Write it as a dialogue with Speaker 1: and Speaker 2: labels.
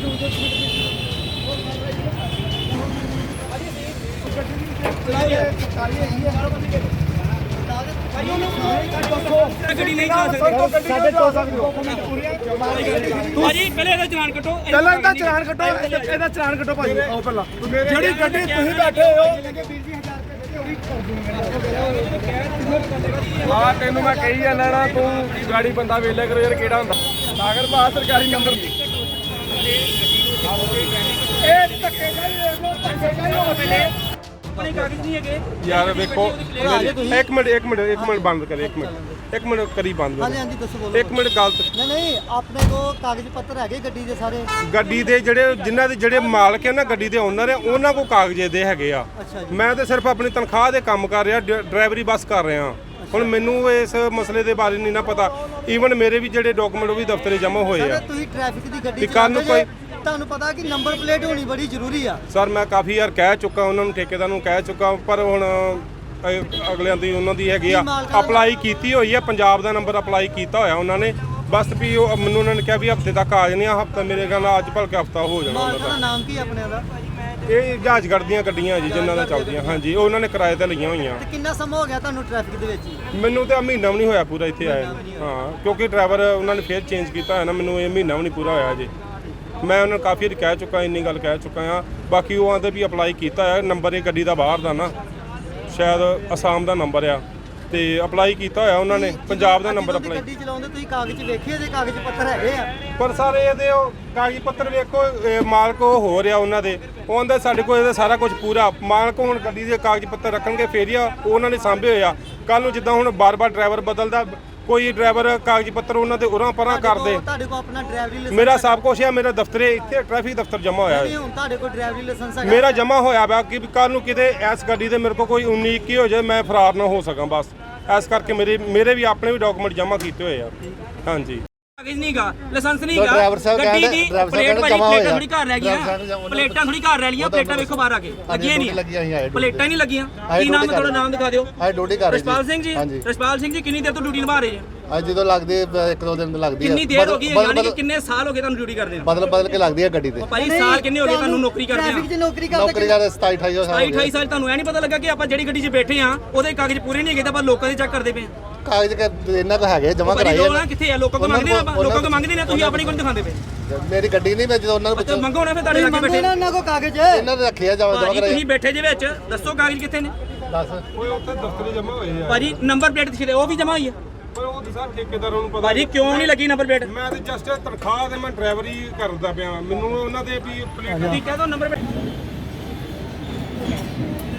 Speaker 1: ਗੱਡੀ ਨਹੀਂ ਚਲਾ ਸਕਦੇ ਸਾਡੇ 200 ਭਾਜੀ ਪਹਿਲੇ ਇਹਦਾ ਚਲਾਨ ਕੱਟੋ
Speaker 2: ਪਹਿਲਾਂ ਇਹਦਾ ਚਲਾਨ ਕੱਟੋ ਇਹਦਾ ਚਲਾਨ ਕੱਟੋ ਭਾਜੀ ਆਓ ਪਹਿਲਾਂ ਜਿਹੜੀ ਗੱਡੀ ਤੁਸੀਂ ਬੈਠੇ ਹੋ ਆ ਤੈਨੂੰ ਮੈਂ ਕਹੀ ਜਾਂਦਾ ਨਾ ਤੂੰ ਗਾੜੀ ਬੰਦਾ ਵੇਲੇ ਕਰੋ ਯਾਰ ਕਿਹੜਾ ਹੁੰਦਾ ਸਾਗਰ ਬਾਹਰ ਸਰਕਾਰੀ ਨੰਬਰ ਇਹ ਧੱਕੇ ਜਾਈ
Speaker 1: ਆਪਣੇ ਕਾਗਜ਼ ਨਹੀਂ ਹੈਗੇ
Speaker 2: ਯਾਰ ਵੇਖੋ ਇੱਕ ਮਿੰਟ ਬੰਦ ਕਰੇ ਇੱਕ ਮਿੰਟ ਕਰੀ ਬੰਦ
Speaker 3: ਹਾਂਜੀ ਦੱਸੋ ਬੋਲੋ
Speaker 2: ਇੱਕ ਮਿੰਟ ਗਲਤ
Speaker 3: ਨਹੀਂ ਆਪਣੇ ਕੋਲ ਕਾਗਜ਼ ਪੱਤਰ ਹੈਗੇ ਗੱਡੀ ਦੇ ਸਾਰੇ
Speaker 2: ਗੱਡੀ ਦੇ ਜਿਹੜੇ ਜਿਨ੍ਹਾਂ ਦੇ ਜਿਹੜੇ ਮਾਲਕ ਹੈ ਨਾ ਗੱਡੀ ਦੇ ਓਨਰ ਹੈ ਉਹਨਾਂ ਕੋਲ ਕਾਗਜ਼ੇ ਦੇ ਹੈਗੇ ਆ ਮੈਂ ਤਾਂ ਸਿਰਫ ਆਪਣੀ ਤਨਖਾਹ ਦੇ ਕੰਮ ਕਰ ਰਿਹਾ ਡਰਾਈਵਰੀ ਬੱਸ ਕਰ ਰਿਹਾ ਹੁਣ ਮੈਨੂੰ ਇਸ ਮਸਲੇ ਦੇ ਬਾਰੇ ਨਹੀਂ ਨਾ ਪਤਾ ਈਵਨ ਮੇਰੇ ਵੀ ਜਿਹੜੇ ਡਾਕੂਮੈਂਟ ਉਹ ਵੀ ਦਫ਼ਤਰੇ ਜਮ੍ਹਾਂ ਹੋਏ ਆ
Speaker 3: ਤੁਸੀਂ ਟ੍ਰੈਫਿਕ ਦੀ ਗੱਡੀ
Speaker 2: ਚਲਾਉਂਦੇ ਜੇ
Speaker 3: ਤੁਹਾਨੂੰ ਪਤਾ ਕਿ ਨੰਬਰ ਪਲੇਟ ਹੋਣੀ ਬੜੀ ਜ਼ਰੂਰੀ ਆ
Speaker 2: ਸਰ ਮੈਂ ਕਾਫੀ ਯਾਰ ਕਹਿ ਚੁੱਕਾ ਉਹਨਾਂ ਨੂੰ ਠੇਕੇਦਾਰ ਨੂੰ ਕਹਿ ਚੁੱਕਾ ਪਰ ਹੁਣ ਅਗਲਿਆਂ ਦੀ ਉਹਨਾਂ ਦੀ ਹੈਗੀ ਆ ਅਪਲਾਈ ਕੀਤੀ ਹੋਈ ਆ ਪੰਜਾਬ ਦਾ ਨੰਬਰ ਅਪਲਾਈ ਕੀਤਾ ਹੋਇਆ ਉਹਨਾਂ ਨੇ ਬਸ ਵੀ ਉਹ ਮੈਨੂੰ ਉਹਨਾਂ ਨੇ ਕਿਹਾ ਵੀ ਹਫਤੇ ਤੱਕ ਆ ਜਾਣੇ ਆ ਹਫਤਾ ਮੇਰੇ ਖਿਆਲ ਨਾਲ ਅੱਜ ਭਲਕੇ ਹਫਤਾ ਹੋ ਜਾਣਾ
Speaker 3: ਉਹਨਾਂ ਦਾ ਨਾਮ ਕੀ ਆਪਣੇ ਦਾ
Speaker 2: ਇਹ ਜਹਾਜ਼ਗੜ੍ਹ ਦੀਆਂ ਗੱਡੀਆਂ ਜੀ ਜਿਨ੍ਹਾਂ ਦਾ ਚੱਲਦੀਆਂ ਹਾਂਜੀ ਉਹਨਾਂ ਨੇ ਕਿਰਾਏ ਤੇ ਲਈਆਂ ਹੋਈਆਂ
Speaker 3: ਤੇ ਕਿੰਨਾ ਸਮਾਂ ਹੋ ਗਿਆ ਤੁਹਾਨੂੰ ਟ੍ਰੈਫਿਕ ਦੇ ਵਿੱਚ
Speaker 2: ਮੈਨੂੰ ਤਾਂ ਮਹੀਨਾ ਵੀ ਨਹੀਂ ਹੋਇਆ ਪੂਰਾ ਇੱਥੇ ਆਇਆ ਹਾਂ ਕਿਉਂਕਿ ਡਰਾਈਵਰ ਉਹਨਾਂ ਨੇ ਫੇਰ ਚੇਂਜ ਕੀਤਾ ਹੋਇਆ ਨਾ ਮੈਨੂੰ ਇਹ ਮਹੀਨਾ ਵੀ ਨਹੀਂ ਪੂਰਾ ਹੋਇਆ ਜੀ ਮੈਂ ਉਹਨਾਂ ਨੂੰ ਕਾਫੀ ਵਾਰ ਕਹਿ ਚੁੱਕਾ ਇੰਨੀ ਗੱਲ ਕਹਿ ਚੁੱਕਾ ਆ ਬਾਕੀ ਉਹ ਆਂਦੇ ਵੀ ਅਪਲਾਈ ਕੀਤਾ ਹੋਇਆ ਨੰਬਰ ਇਹ ਗੱਡੀ ਦਾ ਬਾਹਰ ਦਾ ਨਾ ਸ਼ਾਇਦ ਅਸਾਮ ਦਾ ਨੰਬਰ ਆ ਤੇ ਅਪਲਾਈ ਕੀਤਾ ਹੋਇਆ ਉਹਨਾਂ ਨੇ ਪੰਜਾਬ ਦਾ ਨੰਬਰ ਅਪਲਾਈ
Speaker 3: ਗੱਡੀ ਚਲਾਉਂਦੇ ਤੁਸੀਂ ਕਾਗਜ਼ ਵੇਖੇ ਜੇ ਕਾਗਜ਼ ਪੱਤਰ ਹੈਗੇ ਆ
Speaker 2: ਪਰ ਸਾਰੇ ਇਹਦੇ ਉਹ ਕਾਗਜ਼ ਪੱਤਰ ਵੇਖੋ ਮਾਲਕ ਉਹ ਹੋ ਰਿਹਾ ਉਹਨਾਂ ਦੇ ਉਹ ਆਂਦਾ ਸਾਡੇ ਕੋਲ ਇਹਦਾ ਸਾਰਾ ਕੁਝ ਪੂਰਾ ਮਾਲਕ ਹੁਣ ਗੱਡੀ ਦੇ ਕਾਗਜ਼ ਪੱਤਰ ਰੱਖਣਗੇ ਫੇਰ ਹੀ ਉਹਨਾਂ ਨੇ ਸਾਂਭੇ ਹੋਏ ਆ ਕੱਲ ਨੂੰ ਜਿੱਦਾਂ ਹੁਣ ਬਾਰ-ਬਾਰ ਡਰਾਈਵਰ ਬਦਲਦਾ ਕੋਈ ਡਰਾਈਵਰ ਕਾਗਜ਼ ਪੱਤਰ ਉਹਨਾਂ ਦੇ ਉਰਾਂ ਪਰਾਂ ਕਰਦੇ
Speaker 3: ਤੁਹਾਡੇ ਕੋਲ ਆਪਣਾ ਡਰਾਈਵਰੀ ਲਾਇਸੈਂਸ
Speaker 2: ਮੇਰਾ ਸਭ ਕੁਝ ਹੈ ਮੇਰਾ ਦਫ਼ਤਰੇ ਇੱਥੇ ਟ੍ਰੈਫਿਕ ਦਫ਼ਤਰ ਜਮ੍ਹਾਂ ਹੋਇਆ
Speaker 3: ਨਹੀਂ ਹੁਣ ਤੁਹਾਡੇ ਕੋਲ ਡਰਾਈਵਰੀ ਲਾਇਸੈਂਸ ਹੈਗਾ
Speaker 2: ਮੇਰਾ ਜਮ੍ਹਾਂ ਹੋਇਆ ਵਾ ਕਿ ਕੱਲ ਨੂੰ ਕਿਤੇ ਇਸ ਗੱਡੀ ਦੇ ਮੇਰੇ ਕੋਲ ਕੋਈ 19 21 ਹੋ ਜਾਏ ਮੈਂ ਫਰਾਰ ਨਾ ਹੋ ਸਕਾਂ ਬਸ ਇਸ ਕਰਕੇ ਮੇਰੇ ਵੀ ਆਪਣੇ ਵੀ ਡਾਕੂਮੈਂਟ ਜਮ੍ਹਾਂ ਕੀਤੇ ਹੋਏ ਆ ਹਾਂਜੀ
Speaker 1: ਕਾਗਜ਼ ਨਹੀਂਗਾ ਲਾਇਸੈਂਸ ਨਹੀਂਗਾ ਗੱਡੀ ਦੀ ਪਲੇਟ ਵਾਲੀ ਪਲੇਟਾਂ ਥੋੜੀ ਘਰ ਰਹਿ ਗਈਆਂ ਪਲੇਟਾਂ ਥੋੜੀ ਘਰ ਰਹਿ ਗਈਆਂ ਪਲੇਟਾਂ ਵੇਖੋ ਬਾਹਰ ਆ ਕੇ ਲੱਗੀਆਂ ਨਹੀਂ ਪਲੇਟਾਂ ਨਹੀਂ ਲੱਗੀਆਂ ਕੀ ਨਾਮ ਹੈ ਤੁਹਾਡਾ ਨਾਮ ਦਿਖਾ ਦਿਓ
Speaker 4: ਡਿਊਟੀ ਕਰ ਰਹੇ
Speaker 1: ਰਸ਼ਪਾਲ ਸਿੰਘ ਜੀ ਰਸ਼ਪਾਲ ਸਿੰਘ ਜੀ ਕਿੰਨੀ ਦੇਰ ਤੋਂ ਡਿਊਟੀ ਨਿਭਾ ਰਹੇ ਜੀ
Speaker 4: ਅੱਜ ਜਦੋਂ ਲੱਗਦੀ ਇੱਕ ਦੋ ਦਿਨ ਲੱਗਦੀ ਹੈ
Speaker 1: ਕਿੰਨੀ ਦੇਰ ਹੋ ਗਈ ਹੈ ਯਾਨੀ ਕਿ ਕਿੰਨੇ ਸਾਲ ਹੋ ਗਏ ਤੁਹਾਨੂੰ ਡਿਊਟੀ ਕਰਦੇ ਨੂੰ
Speaker 4: ਬਦਲ ਕੇ ਲੱਗਦੀ ਹੈ ਗੱਡੀ ਤੇ
Speaker 1: ਭਾਈ ਸਾਲ ਕਿੰਨੇ ਹੋ ਗਏ ਤੁਹਾਨੂੰ ਨੌਕਰੀ ਕਰਦੇ ਆ
Speaker 3: ਟ੍ਰੈਫਿਕ 'ਚ ਨੌਕਰੀ
Speaker 4: ਨੌਕਰੀ ਕਰਦੇ 27 28 ਸਾਲ
Speaker 1: 28 ਸਾਲ ਤੁਹਾਨੂੰ ਐ ਨਹੀਂ ਪਤਾ ਲੱਗਾ ਕਿ ਆਪਾਂ ਜਿਹੜੀ ਗੱਡੀ 'ਚ ਬੈਠੇ ਆ ਉਹਦੇ ਕਾਗਜ਼ ਪੂਰੇ ਨਹੀਂ ਹੈਗੇ ਤਾਂ ਆਪਾਂ ਲੋਕਾਂ ਦੇ ਚੈੱਕ ਕਰਦੇ ਪਏ ਆ
Speaker 4: ਕਾਗਜ਼ ਇਹਨਾਂ ਕੋ ਹੈਗੇ ਜਮ੍ਹਾਂ ਕਰਾਏ
Speaker 1: ਆ ਕਿੱਥੇ ਆ ਲੋਕਾਂ ਕੋ ਮੰਗਦੇ ਆ ਲੋਕਾਂ ਕੋ ਮੰਗਦੇ ਨੇ ਤੁਸੀਂ ਆਪਣੀ ਕੋਲ ਦਿਖਾਉਂਦੇ ਪਏ
Speaker 4: ਮੇਰੀ ਗੱਡੀ ਨਹੀਂ ਮੈਂ ਜਦੋਂ ਉਹਨਾਂ ਨੂੰ
Speaker 1: ਅੱਛਾ ਮੰਗੋ ਨਾ ਫਿਰ ਤੁਹਾਡੇ ਲੱਗੇ ਬੈਠੇ
Speaker 3: ਉਹਨਾਂ ਕੋ ਕਾਗਜ਼
Speaker 4: ਇਹਨਾਂ ਨੇ ਰੱਖਿਆ ਜਮ੍ਹਾਂ ਕਰਾਏ
Speaker 1: ਤੁਸੀਂ ਬੈਠੇ ਜੇ ਵਿੱਚ ਦੱਸੋ ਕਾਗਜ਼ ਕਿੱਥੇ ਨੇ
Speaker 4: ਦੱਸ
Speaker 2: ਓਏ ਉੱਥੇ ਦਫ਼ਤਰੇ ਜਮ੍ਹਾਂ ਹੋਏ ਆ
Speaker 1: ਭਾਜੀ ਨੰਬਰ ਪਲੇਟ ਦਿਖਦੇ ਉਹ ਵੀ ਜਮਾ ਹੋਈ ਆ
Speaker 2: ਪਰ ਉਹ ਤਾਂ ਠੇਕੇਦਾਰਾਂ ਨੂੰ ਪਤਾ
Speaker 1: ਭਾਜੀ ਕਿਉਂ ਨਹੀਂ ਲੱਗੀ ਨੰਬਰ ਪਲੇਟ
Speaker 2: ਮੈਂ ਤੇ ਜਸਟ ਤਨਖਾਹ ਤੇ ਮੈਂ ਡਰਾਈਵਰੀ ਕਰਦਾ ਪਿਆ ਮੈਨੂੰ ਉਹਨਾਂ ਦੇ ਵੀ ਪਲੇਟ
Speaker 1: ਠੀਕ ਹੈ ਤਾਂ ਨੰਬਰ ਪਲੇਟ